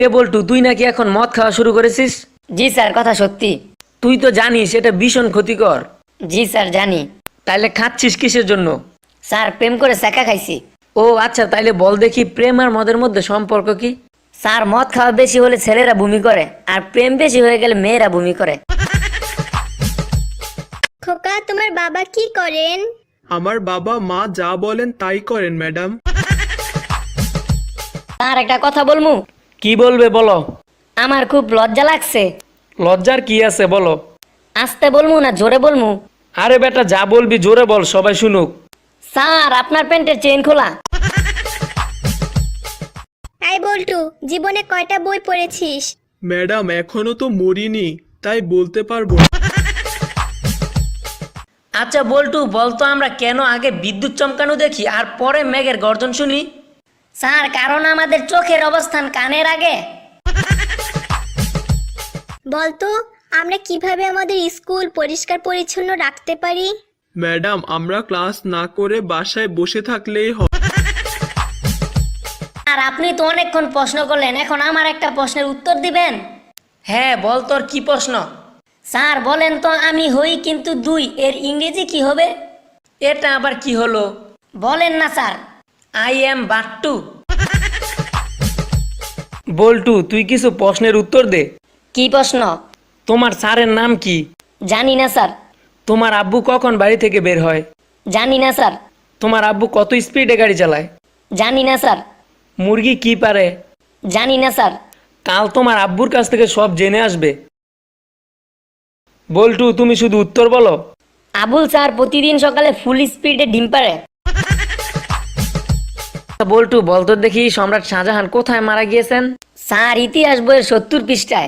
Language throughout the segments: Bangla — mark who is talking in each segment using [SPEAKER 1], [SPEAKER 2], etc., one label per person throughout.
[SPEAKER 1] এ বল্টু, তুই নাকি এখন মদ খাওয়া শুরু করেছিস?
[SPEAKER 2] জি স্যার, কথা সত্যি।
[SPEAKER 1] তুই তো জানিস এটা ভীষণ ক্ষতিকর।
[SPEAKER 2] জি স্যার, জানি।
[SPEAKER 1] তাইলে খাচ্ছিস কিসের জন্য?
[SPEAKER 2] স্যার, প্রেম করে সেকা খাইছি।
[SPEAKER 1] ও আচ্ছা, তাইলে বল দেখি প্রেম আর মদের মধ্যে সম্পর্ক কি?
[SPEAKER 2] স্যার, মদ খাওয়া বেশি হলে ছেলেরা বমি করে, আর প্রেম বেশি হয়ে গেলে মেয়েরা বমি করে।
[SPEAKER 3] খোকা, তোমার বাবা কি করেন?
[SPEAKER 4] আমার বাবা মা যা বলেন তাই করেন ম্যাডাম।
[SPEAKER 2] স্যার, একটা কথা বলমু?
[SPEAKER 1] কি বলবে বলো।
[SPEAKER 2] আমার খুব লজ্জা লাগছে।
[SPEAKER 1] লজ্জার কি আছে বলো।
[SPEAKER 2] আস্তে বলমু না জোরে বলমু?
[SPEAKER 1] আরে বেটা, যা বলবি জোরে বল, সবাই শুনুক।
[SPEAKER 2] স্যার, আপনার প্যান্টের চেইন খোলা।
[SPEAKER 3] আই বল্টু, জীবনে কয়টা বই পড়েছিস?
[SPEAKER 4] ম্যাডাম এখনো তো মরিনি, তাই বলতে পারবো না।
[SPEAKER 1] আচ্ছা বল্টু, বলতো আমরা কেন আগে বিদ্যুৎ চমকানো দেখি আর পরে মেঘের গর্জন শুনি?
[SPEAKER 2] স্যার, কারণ আমাদের চোখের অবস্থান কানের আগে।
[SPEAKER 3] বলতো, আমরা কিভাবে আমাদের স্কুল পরিষ্কার পরিচ্ছন্ন রাখতে পারি?
[SPEAKER 4] ম্যাডাম আমরা ক্লাস না করে বাসায় বসে থাকলেই হয়।
[SPEAKER 2] আর আপনি তো অনেকক্ষণ প্রশ্ন করলেন, এখন আমার একটা প্রশ্নের উত্তর দিবেন?
[SPEAKER 1] হ্যাঁ বল, তোর কি প্রশ্ন?
[SPEAKER 2] স্যার বলেন তো, আমি হই কিন্তু দুই এর ইংরেজি কি হবে?
[SPEAKER 1] এটা আবার কি হলো?
[SPEAKER 2] বলেন না sir.
[SPEAKER 1] I am Battu. Boltu, তুই কিছু প্রশ্নের উত্তর দে।
[SPEAKER 2] কি প্রশ্ন?
[SPEAKER 1] তোমার স্যারের নাম কি?
[SPEAKER 2] জানি না স্যার।
[SPEAKER 1] তোমার আব্বু কখন বাড়ি থেকে বের হয়?
[SPEAKER 2] জানি না স্যার।
[SPEAKER 1] তোমার আব্বু কত স্পিডে গাড়ি চালায়?
[SPEAKER 2] জানি না স্যার।
[SPEAKER 1] মুরগি কি পারে?
[SPEAKER 2] জানি না স্যার।
[SPEAKER 1] কাল তোমার আব্বুর কাছ থেকে সব জেনে আসবে। বল্টু, তুমি শুধু উত্তর বলো।
[SPEAKER 2] আবুল স্যার প্রতিদিন সকালে ফুল স্পিডে ডিম পারে।
[SPEAKER 1] বল্টু, বলতো দেখি সম্রাট শাহজাহান কোথায় মারা গিয়েছেন?
[SPEAKER 2] স্যার, ইতিহাস বইয়ের 70 পৃষ্ঠায়।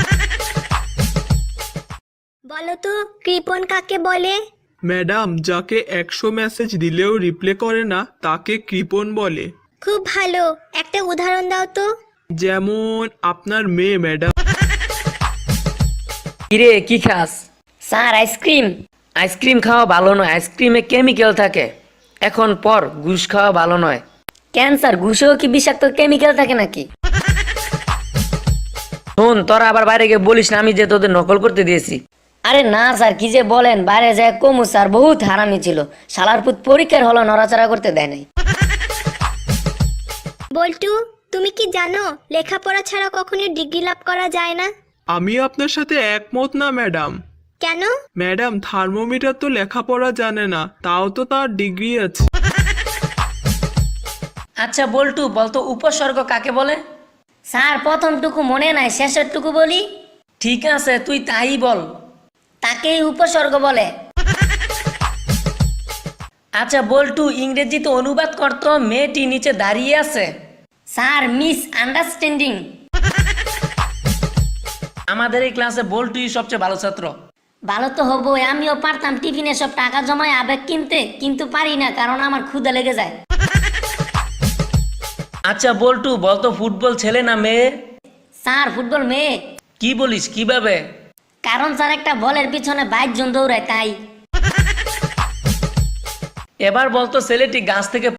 [SPEAKER 3] বলতো, কৃপণ কাকে বলে?
[SPEAKER 4] ম্যাডাম যাকে 100 মেসেজ দিলেও রিপ্লে করে না তাকে কৃপণ বলে।
[SPEAKER 3] খুব ভালো, একটা উদাহরণ দাও তো।
[SPEAKER 4] যেমন আপনার মেয়ে ম্যাডাম।
[SPEAKER 1] কিরে, কি খাস?
[SPEAKER 2] Sir, ice cream.
[SPEAKER 1] আইসক্রিম খাওয়া ভালো নয়, আইসক্রিমে কেমিক্যাল থাকে। এখন পর, ঘুষ খাওয়া ভালো নয়।
[SPEAKER 2] ক্যান্সার, ঘুষেও কি বিষাক্ত কেমিক্যাল থাকে নাকি?
[SPEAKER 1] শোন, তোরা আবার বাইরে গিয়ে বলিস না আমি যে তোদের নকল করতে দিয়েছি।
[SPEAKER 2] আরে না স্যার, কি যে বলেন, বাইরে যায় কমু স্যার, বহুত হারামি ছিল। শালার পুত পরীক্ষার হলো নড়াচড়া করতে দেয় নাই।
[SPEAKER 3] বল্টু, তুমি কি জানো লেখাপড়া ছাড়া কখনোই ডিগ্রি লাভ করা যায় না?
[SPEAKER 4] আমি আপনার সাথে একমত না ম্যাডাম।
[SPEAKER 3] কেন?
[SPEAKER 4] ম্যাডাম থার্মোমিটার তো লেখাপড়া জানে না, তাও তো তার ডিগ্রি আছে।
[SPEAKER 1] আচ্ছা বল্টু, বলতো উপসর্গ কাকে বলে?
[SPEAKER 2] স্যার, প্রথমটুকু মনে নাই, শেষেরটুকু বলি।
[SPEAKER 1] ঠিক আছে, তুই তাই বল।
[SPEAKER 2] তাকেই উপসর্গ বলে।
[SPEAKER 1] আচ্ছা বল্টু, ইংরেজিতে অনুবাদ করতো মেয়েটি নিচে দাঁড়িয়ে আছে।
[SPEAKER 2] Sir, misunderstanding.
[SPEAKER 1] আমাদের এই ক্লাসে বল্টুই সবচেয়ে ভালো ছাত্র।
[SPEAKER 2] ভালো তো হবই, আমিও পারতাম টিফিনে সব টাকা জমায় আবেগ কিনতে, কিন্তু পারি না কারণ আমার ক্ষুধা লেগে যায়।
[SPEAKER 1] আচ্ছা বল্টু, বলতো ফুটবল ছেলে না মেয়ে?
[SPEAKER 2] স্যার, ফুটবল মেয়ে।
[SPEAKER 1] কি বলিস, কিভাবে?
[SPEAKER 2] কারণ স্যার একটা বলের পিছনে 22 জন দৌড়ায়, তাই।
[SPEAKER 1] এবার বলতো ছেলেটি গাছ থেকে